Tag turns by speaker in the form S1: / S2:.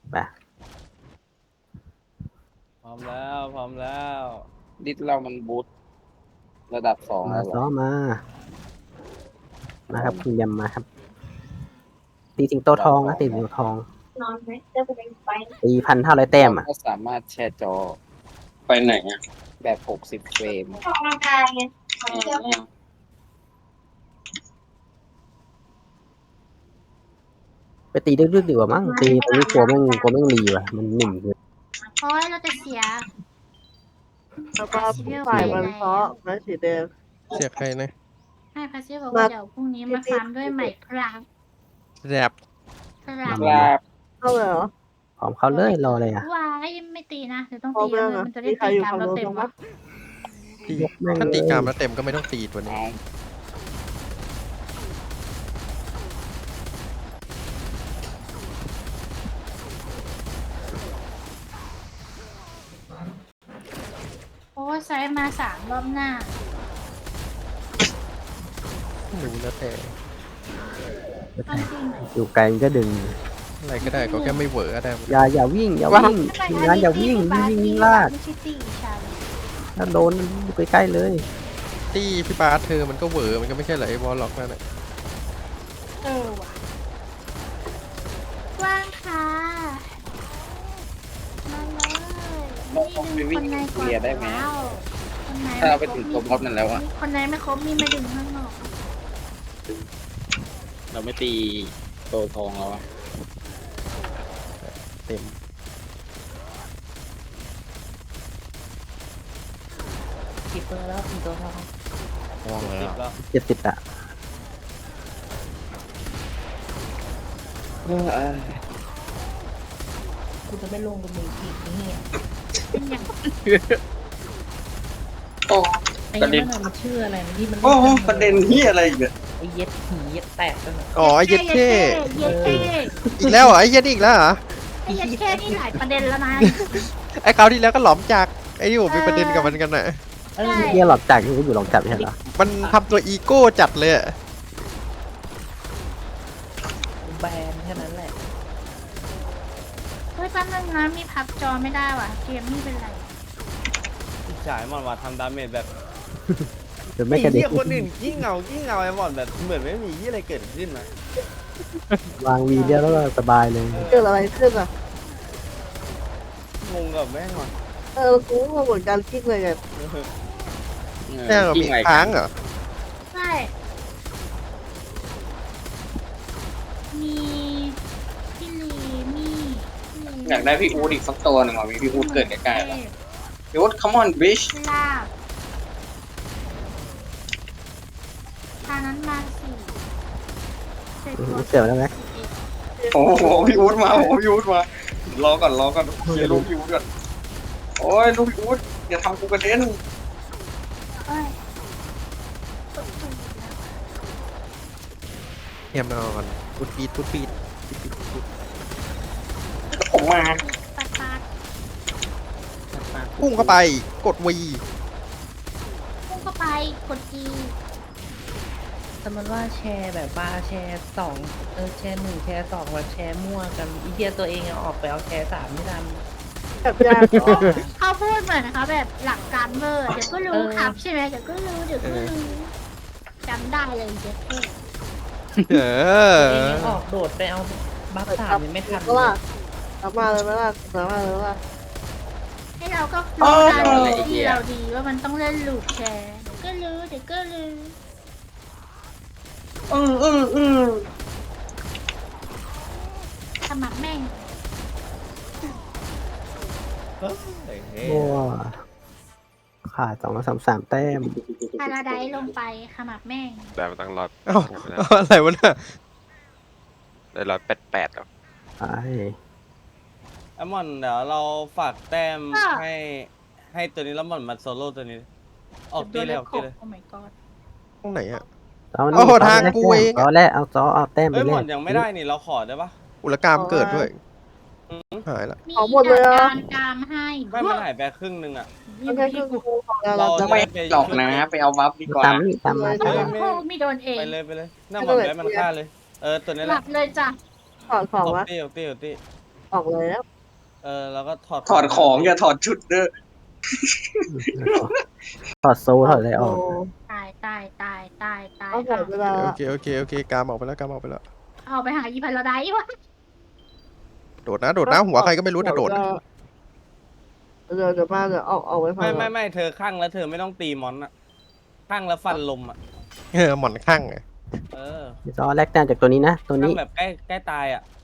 S1: ไป
S2: พร้อมแล้วพร้อมแล้ว
S3: ดิสเรามันบูทระดับ2
S1: มา
S3: แล้วเหรอ
S1: ซ้อมาครับคุณยำมาครับ ตีสิงโตทองนะตีสิงโตทอง
S4: นอนไหมจะไปไป
S1: ตี1,500 แต้มอ่ะ
S3: ก็สามารถแชร์จอ
S5: ไปไหนอ่ะ
S3: แบบ60เฟรม
S4: ออกกำลังกายไงมันจะ
S1: ไปตีดึกๆดีกว่ามั้งตีตอนนี้กลัวแม่งรีว่ะมันหนึ่งเลย
S6: เพราะเราจะเสีย
S7: แล้วก็ฝ่ายมันเพราะมันสีแดง
S8: เสียใครนะ
S6: ให้พาซิบอกว่าเดี๋ยวพรุ่งนี้มาฟาร์มด้วยใหม่ครับ
S8: แรบ
S6: ครับ
S3: ลาบ
S7: เข้าเลยเหรอ
S1: พร้อมเขาเลยรอเลยอ่ะ
S6: ว้ายไม่ตีนะเดี๋ยวต้อง
S7: พร้อ
S6: ตี
S7: มยังอ่ะ
S6: มันจะได้
S7: มีใคร
S6: ตี
S7: อยู่
S6: ตาม
S7: ฝั่ง
S6: เรา
S7: โน้น
S6: เต็ม
S7: บ้าง
S6: วะ
S7: ปะ
S8: ตีถ้าตีกรามแล้วเต็มก็ไม่ต้องตีตัวนี้
S3: เอา
S6: โอ้ไซส์มา3 รอบหน้า
S8: หนูแล้วแต่
S6: ต้องจริงไหม
S1: อยู่ไกลก็ดึง
S8: อะไรก็ได้ก็แค่ไม่เหวอก็ได้
S1: อย่าวิ่งทีมงานอย่าวิ่งวิ่งลาก
S6: ไม่ใช่ตีฉัน
S1: ถ้าโดนอยู่ใกล้ๆเลย
S8: ตีพี่บาสเธอมันก็เหวอมันก็ไม่ใช่เหรอไอ้วอลล็อกนั่นแหละ
S6: ว่ะว่างค่ะมาเลยนี่ดึงคนในก่อนแล้วคนใน
S3: ถ้าเราไปถึงตัวบอสนั่นแล้วอะ
S6: คนในไม่ครบมีมาดึงข้างนอก
S3: เราไม่ตีโตทองแล้วอะ
S8: เต็ม
S7: กี่เปอร์แล้วกี่ตัวทอง
S8: มองแล้ว
S2: แล้ว
S1: 70อ่ะ
S7: กูจะไม่ลงกับมึงอีกนี่
S6: เป็นอย่าง
S5: โอ้
S7: ไอ้
S5: ประเด็น
S7: นั่นมันชื่ออะไรนะที่มัน
S5: โอ้โหประเด็นที่อะไรอีกเนี่ย
S7: ไอ้เย็ดหีเย็ดแตกกัน
S8: อ๋อไอ้เย็ดเท่
S6: เย็ดเท่
S8: อีกแล้วเหรอไอ้เย็ดอีกแล้วเหรอ
S6: ไอ้เย็ดเท่นี่หลายประเด็นแล้วนะ
S8: ไอ้คราวที่แล้วก็หลอมจากไอ้ที่ผมมีประเด็นกับมันกันน่ะ
S6: ใช่
S1: เฮียหลอกจักอยู่หลอกจับใช่เหรอ
S8: มันทำตัวอีโก้จัดเลยอะ
S7: แบนแค่นั้นแหละ
S6: เฮ้ยแป๊บนึงนะมีพับจอไม่ได้ว่ะเกมนี่เป็นไร
S2: จ่ายมันว่าทำดาเมจแบบ
S1: จนไม่กระเด็น
S2: เหี้ยคนอื่นยิ่งเงาไอ้บอลแบบเหมือนไม่มียี่อะไรเกิดขึ้นนะ
S1: วางวีเดียวแล้วก็สบายเลย
S7: เกิดอะไรขึ้นอ่ะ
S2: งงกับแม่งว่ะ
S7: กูก็เหมือนกันคิดเลยไง
S8: แม่งเหรอมีค้างเหรอ
S6: ใช่มีพี่ลีมีพี่ลี
S5: อยากได้พี่อูดอีกสักตัวหนึ่งอ่ะมีพี่อูดเกิดใกล้ๆแล้วพี่อูด come on bitch
S6: ลาบทานั้นมาสี่เสร็จตัว
S1: เสียวแล้วไหม
S5: โอ้โหพี่อูดมาโอ้โหพี่อูดมารอก่อนเคลียร์ลูกพี่อูดก่อนโอ้ยลูกพี่อูดอย่าทำกูกระเด็น
S6: เอ้ย
S8: เทียมนอนพุดปีดพุดปีด
S5: ผมมา
S6: ปัดปัด
S8: พุ่งเข้าไปกดวี
S6: พุ่งเข้าไปกดจี
S7: แต่มันว่าแชร์แบบว่าแชร์สองแชร์หนึ่งแชร์สองแบบแชร์มั่วกันอีเดียตัวเองออกไปเอาแชร์สามไม่ทันแบบยาก
S6: เขาพูดเหมือนนะคะแบบหลักการเวอร์เดี๋ยวก็รู้ครับใช่ไหมเดี๋ยวก็รู้จำได้เลยเจ๊เท่
S8: เออ
S7: เองออกโดดไปเอาบัฟสามยังไม่ทันก็ล่ะสามารถเลยไหมล่ะสามารถเลยว่า
S6: ให้เราก็รู้การที่เราดีว่ามันต้องเล่นลูกแชร์เดี๋ยวก็รู้เดี๋ยวก็รู้ สมัครแม่ง
S2: เฮ้ย
S1: โอ้ขาด233 แต้ม
S6: พาราไดซ์ลงไปขมับแม่ง
S9: ได้มาตั้งร้อย
S8: เอ้าอะไรวะเนี่ย
S9: ได้188แล้ว
S1: ไป
S2: ไอ้บอลเดี๋ยวเราฝากแต้มให้ตัวนี้แล้วบอลมาโซโล่ตัวนี้ออกตีเลยออกตีเลย
S6: โอ้ my god
S8: ตรงไหนอะ
S1: เอา
S8: โอ้โหทางกูเอง
S1: เอาแรกเอาแต้มไป
S2: เอ้ย
S1: เล
S2: บอลยังไม่ได้นี่เราขอได้ปะ
S8: อุลกรรมเกิดด้วยหายละ
S6: มี
S7: เอาหมดเลยเหรอ
S6: การกามให้
S2: ไม่มันหายไปครึ่งนึงอ่ะ
S7: ไม่ใช่คือกูของเรา
S2: เรา
S7: จะ
S2: ไม่
S5: ไม่หลอกนะไปเอาบัฟดีกว่า
S1: ตามนี่ตามมา
S6: โอ้โหมีโดนเอง
S2: ไปเลยหน้าบอลแบมันฆ่าเลยตัวนี้
S6: ห
S2: แห
S6: ลั
S2: ละ
S6: บเลยจ้ะ
S7: ถอดของ
S2: ออก
S7: วะ
S2: ตี
S7: ออกเลยแล้ว
S2: แล้วก็ถอด
S5: ถอดของอย่าถอดชุดเด้อ
S1: ถอดโซ่ถอดอะไรออก
S6: ตายตายตายตายตาย
S7: เอาหมดเวลา
S8: โอเคโอเคโอเคกามออกไปแล้วกามออกไปแล้ว
S6: เอาไปหาอีพันละไดวะ
S8: โดดนะโดดนะหัวใครก็ไม่รู้นะโดดนะ
S7: เดี๋ยวมาเดี๋ยวออกไว้ฟัง
S2: ไม่เธอข้างแล้วเธอไม่ต้องตีมอนอะข้างแล้วฟันลมอะ
S8: หมอนข้างไง
S2: เออ
S1: เดี๋ยวจะเอาแลกแต้มจากตัวนี้นะตัว
S2: ข้าง
S1: นี้
S2: แบบใกล้ตายอะ